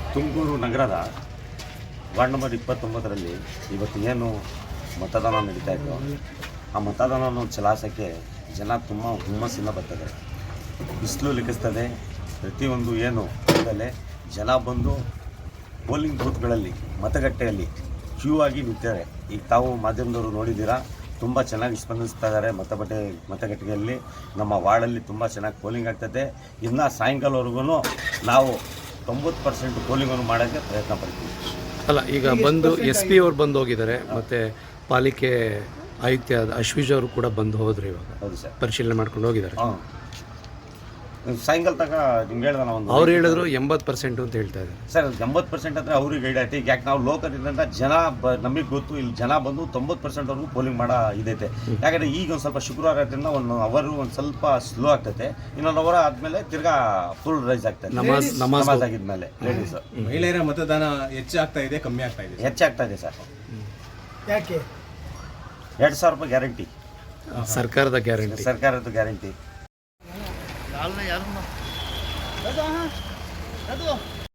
ತುಮಕೂರು ನಗರದ ward number 29ರಲ್ಲಿ ಇವತ್ತು ಏನು ಮತದಾನ ನಡೀತಾ ಇತ್ತು, ಆ ಮತದಾನವನ್ನು ಚಲಾಯಿಸೋಕ್ಕೆ ಜನ ತುಂಬ ಹುಮ್ಮಸ್ಸಿಂದ ಬರ್ತಾರೆ. ಬಿಸಿಲು ಲಿಕ್ಕಿಸ್ತದೆ. ಪ್ರತಿಯೊಂದು ಏನು ಬೆಲೆ ಜನ ಬಂದು ಪೋಲಿಂಗ್ ಬೂತ್ಗಳಲ್ಲಿ ಮತಗಟ್ಟೆಯಲ್ಲಿ ಕ್ಯೂ ಆಗಿ ನಿಂತಾರೆ. ಈಗ ತಾವು ಮಾಧ್ಯಮದವರು ನೋಡಿದ್ದೀರಾ, ತುಂಬ ಚೆನ್ನಾಗಿ ಸ್ಪಂದಿಸ್ತಾ ಇದ್ದಾರೆ. ಮತಗಟ್ಟೆಯಲ್ಲಿ ನಮ್ಮ ವಾರ್ಡಲ್ಲಿ ತುಂಬ ಚೆನ್ನಾಗಿ ಪೋಲಿಂಗ್ ಆಗ್ತದೆ. ಇನ್ನು ಸಾಯಂಕಾಲವರೆಗೂ ನಾವು 90% ಪೋಲಿಂಗನ್ನು ಮಾಡೋಕ್ಕೆ ಪ್ರಯತ್ನ ಪಡ್ತೀವಿ. ಅಲ್ಲ, ಈಗ ಬಂದು SP ಅವ್ರು ಬಂದು ಹೋಗಿದ್ದಾರೆ, ಮತ್ತು ಪಾಲಿಕೆ ಆಯುಕ್ತ ಅಶ್ವೀಜ್ ಅವರು ಕೂಡ ಬಂದು ಹೋದ್ರು. ಇವಾಗ ಹೌದು ಸರ್, ಪರಿಶೀಲನೆ ಮಾಡ್ಕೊಂಡು ಹೋಗಿದ್ದಾರೆ. ಹಾಂ, ಸಾಯಂಕಾಲ ತನಕ ನಿಮ್ಗೆ ಹೇಳ್ದೆ ನಾವು. ಅವ್ರು ಹೇಳಿದ್ರು 80% ಅಂತ ಹೇಳ್ತಾ ಇದ್ದಾರೆ ಸರ್. 80% ಅಂದರೆ ಅವ್ರಿಗೆ ಗೈಡ್ ಆಯ್ತು. ಈಗ ಯಾಕೆ ನಾವು ಲೋಕದಿಂದ ಜನ ನಮಗೆ ಗೊತ್ತು, ಇಲ್ಲಿ ಜನ ಬಂದು 90%ವರೆಗೂ ಪೋಲಿಂಗ್ ಮಾಡೋ ಇದೈತೆ. ಯಾಕಂದರೆ ಈಗ ಒಂದು ಸ್ವಲ್ಪ ಶುಕ್ರವಾರ ಆದ್ರಿಂದ ಒಂದು ಸ್ವಲ್ಪ ಸ್ಲೋ ಆಗ್ತೈತೆ. ಇನ್ನೊಂದು ಅವರ ಆದಮೇಲೆ ತಿರ್ಗಾ ಫುಲ್ ರೈಸ್ ಆಗ್ತದೆ. ನಮಾಜ್ ಆಗಿದ್ಮೇಲೆ ಲೇಡೀಸ್ ಮಹಿಳೆಯರ ಮತದಾನ ಹೆಚ್ಚಾಗ್ತಾ ಇದೆ, ಕಮ್ಮಿ ಆಗ್ತಾ ಇದೆ? ಹೆಚ್ಚಾಗ್ತಾ ಇದೆ ಸರ್. ಯಾಕೆ? 2,000 ರೂಪಾಯಿ ಗ್ಯಾರಂಟಿ, ಸರ್ಕಾರದ ಗ್ಯಾರಂಟಿ. ಯಾರು